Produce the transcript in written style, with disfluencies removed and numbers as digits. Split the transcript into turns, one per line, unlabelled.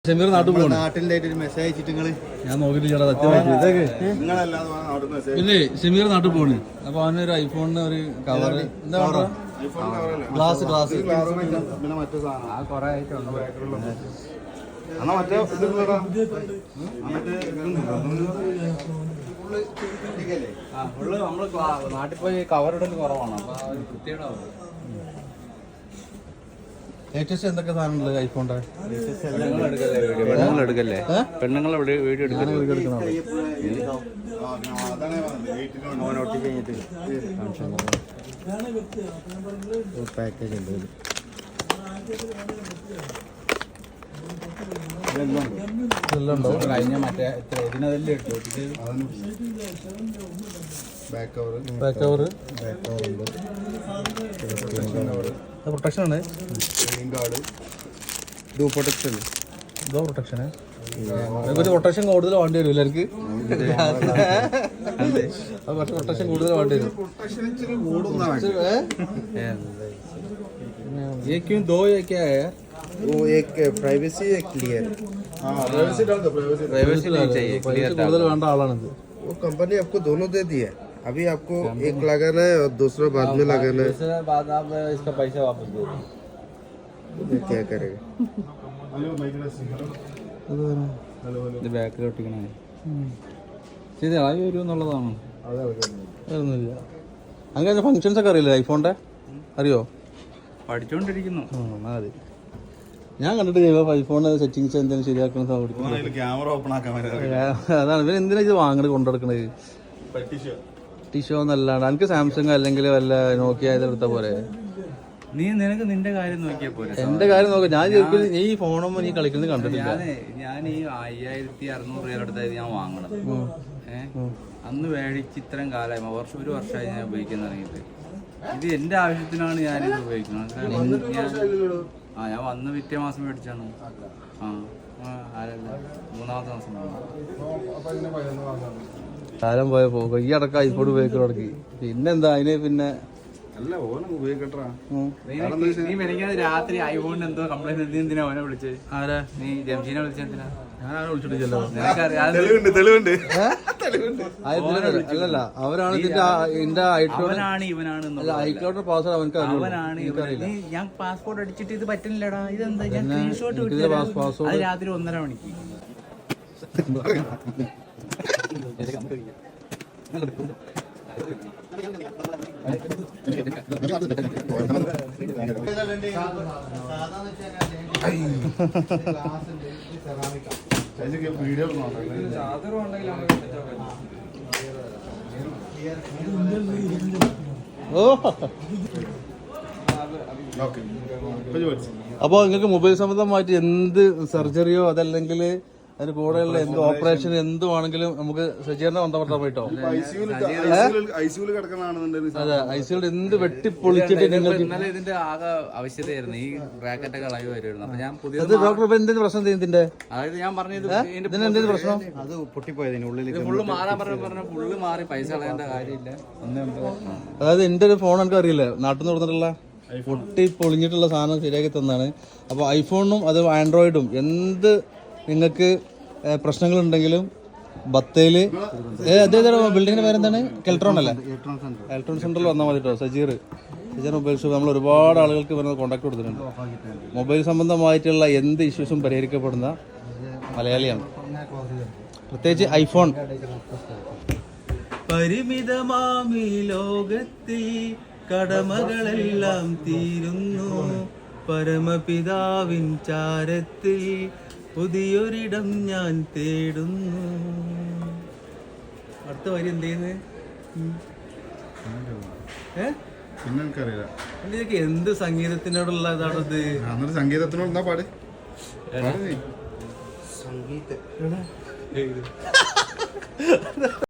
ഷമീർ നാട്ടിൽ പോകണം.
നാട്ടിലായിട്ട് ഒരു മെസ്സേജ് അയച്ചിട്ട്
ഞാൻ നോക്കിയിട്ടില്ല സത്യമായിട്ട് ഇതൊക്കെ. പിന്നെ ഷമീർ നാട്ടിൽ പോണ്. അപ്പൊ അവനൊരു ഐഫോണിന് ഒരു കവർ എന്താ ഗ്ലാസ്
പിന്നെ മറ്റു സാധനം കൊറേ ആയിട്ടുണ്ട്.
നമ്മള് നാട്ടിൽ പോയി കവർ ഇടൽ കുറവാണ്. അപ്പൊ വൃത്തിയുണ്ടാവും. ലേറ്റസ്റ്റ് എന്തൊക്കെ സാധനമുള്ളത് ഐഫോണിന്റെ?
എടുക്കല്ലേ പെണ്ണുങ്ങളെ വീഡിയോ പാക്കേജ് ഉണ്ട്.
കഴിഞ്ഞ മറ്റേ ഇതിനെല്ലാം ഇട്ടു.
ബാക്ക് കവർ
പ്രൊട്ടക്ഷൻ ആണ്. പ്രൊട്ടക്ഷൻ പ്രൊട്ടക്ഷൻ കൂടുതൽ വേണ്ടി വരും എല്ലാവർക്ക്. പക്ഷെ പ്രൊട്ടക്ഷൻ കൂടുതൽ വേണ്ടി വരും. ये क्यों दो ये क्या है?
वो एक प्राइवेसी है क्लियर.
प्राइवेसी नहीं चाहिए, क्लियर കൂടുതൽ വേണ്ട ആളാണിത്.
वो कंपनी आपको दोनों दे दी है. अभी आपको एक लगाना है और दूसरा बाद में लगाना है.
दूसरा बाद आप इसका पैसा वापस दो.
क्या करेगा?
ഇത് ബാക്കിൽ ഒട്ടിക്കണേ ശരിയായി വരും എന്നുള്ളതാണ്. അതൊന്നുമില്ല. അങ്ങനെ ഫങ്ഷൻസ് ഒക്കെ അറിയില്ലേ ഐഫോണിന്റെ? അറിയോ?
പഠിച്ചോണ്ടിരിക്കുന്നു.
മതി. ഞാൻ കണ്ടിട്ട് ഐഫോൺ സെറ്റിങ്സ് എന്തെങ്കിലും ശരിയാക്കണം. അതാണ് ഇവർ എന്തിനാ ഇത് വാങ്ങണത് കൊണ്ടുനടക്കണത്? ടിഷോ എന്നല്ലാണ്ട് എനിക്ക് സാംസങ് അല്ലെങ്കിൽ വല്ല നോക്കിയ ഇതെടുത്ത പോലെ.
നിനക്ക് നിന്റെ കാര്യം നോക്കിയാ പോലെ.
എന്റെ കാര്യം നോക്കാം. ഞാൻ ഈ ഫോണും നീ കളിക്കുന്നത് കണ്ടിട്ടില്ല.
ഞാൻ ഈ 5600 രൂപ അടുത്തായത് ഞാൻ വാങ്ങണത്. അന്ന് മേടിച്ച് ഇത്രയും കാലമായി ഒരു വർഷമായി ഞാൻ ഉപയോഗിക്കാൻ തുടങ്ങിയിട്ട്. ഇത് എന്റെ ആവശ്യത്തിനാണ് ഞാനിത് ഉപയോഗിക്കുന്നത്. ഞാൻ വന്ന് പിറ്റേ മാസം മേടിച്ചാണ്. മൂന്നാമത്തെ മാസം
കാലം പോയ പോകും. ഈ അടക്കം ഐഫോൺ ഉപയോഗിക്കാൻ തുടങ്ങി. പിന്നെന്താ അതിന് പിന്നെ
നീ മെനങ്ങാതെ രാത്രി ഐഫോണിന് എന്തോ കംപ്ലൈന്റ് എന്തിനാ അവനെ വിളിച്ചത്?
ആരാ?
നീ ജംഷീനെ വിളിച്ചെന്തിനാ?
ഞാനാണ് വിളിച്ചിട്ടില്ലല്ലോ. അല്ലല്ല അവരാണ് ഇതിന്റെ
അവനാണ് ഇവനാണ്
ഐക്ലോഡ് പാസ്വേഡ് അവനക്ക്
ഞാൻ പാസ്പോർട്ട് അടിച്ചിട്ട് ഇത് പറ്റുന്നില്ലടാ. ഇതെന്താ? ഞാൻ സ്ക്രീൻഷോട്ട് വിട്ടു രാത്രി 1:30 മണിക്ക്.
അപ്പൊ നിങ്ങൾക്ക് മൊബൈൽ സംബന്ധമായിട്ട് എന്ത് സർജറിയോ അതല്ലെങ്കിൽ അതിന് കൂടെയുള്ള എന്ത് ഓപ്പറേഷൻ എന്തുവാണെങ്കിലും നമുക്ക് സജീറിനെ ബന്ധപ്പെട്ടാൽ പോയിട്ടോ. അതെ, ഐസിയുടെ എന്ത് വെട്ടിപ്പൊളിച്ചിട്ട് നിങ്ങൾക്ക്
ഇന്നലെ ഇതിന്റെ ആകെ ആവശ്യതയായിരുന്നു. ഈ ബ്രാക്കറ്റൊക്കെ ഇളകി വരുമായിരുന്നു. അപ്പൊ ഞാൻ പുതിയ
ഡോക്ടർ എന്തിന് പ്രശ്നം ഇതിന്റെ?
അതായത് ഞാൻ പറഞ്ഞത്
എന്തിനു പ്രശ്നം?
അത് പൊട്ടിപ്പോയതിന് ഉള്ളിൽ
ഫുള്ള് മാറാൻ പറഞ്ഞ ഫുള്ള് മാറി. പൈസ കളയേണ്ട കാര്യമില്ല.
അതായത് എന്റെ ഒരു ഫോൺ എനിക്ക് അറിയില്ല, നാട്ടിൽ നിന്ന് കൊടുത്തിട്ടുള്ള പൊട്ടി പൊളിഞ്ഞിട്ടുള്ള സാധനം ശരിയാക്കി തന്നാണ്. അപ്പോൾ ഐഫോണും അത് ആൻഡ്രോയിഡും എന്ത് നിങ്ങൾക്ക് പ്രശ്നങ്ങളുണ്ടെങ്കിലും ബത്തേല് ബിൽഡിങ്ങിന്റെ പേരെന്താണ്? കെൽട്രോൺ അല്ലേ? ഇലക്ട്രോൺ സെന്ററിൽ വന്നാൽ മതി കേട്ടോ. Sajeer mobile shop. നമ്മൾ ഒരുപാട് ആളുകൾക്ക് ഇവരെ കോൺടാക്ട് കൊടുത്തിട്ടുണ്ട്. മൊബൈൽ സംബന്ധമായിട്ടുള്ള എന്ത് ഇഷ്യൂസും പരിഹരിക്കപ്പെടുന്ന മലയാളിയാണ്. പ്രത്യേകിച്ച് ഐഫോൺ. പരിമിതമാമി ലോകത്തിൽ കടമകളെല്ലാം തീരുന്നു, പരമപിതാവിൻ ചാരത്തിൽ പുതിയൊരിടം ഞാൻ തേടുന്നു. അടുത്ത വരി എന്ത് ചെയ്യുന്നത്?
പിന്നെ എനിക്കറിയില്ല.
ഇതിനൊക്കെ എന്ത് സംഗീതത്തിനോടുള്ള ഇതാണത്?
സംഗീതത്തിനോട് എന്താ പാട്? സംഗീത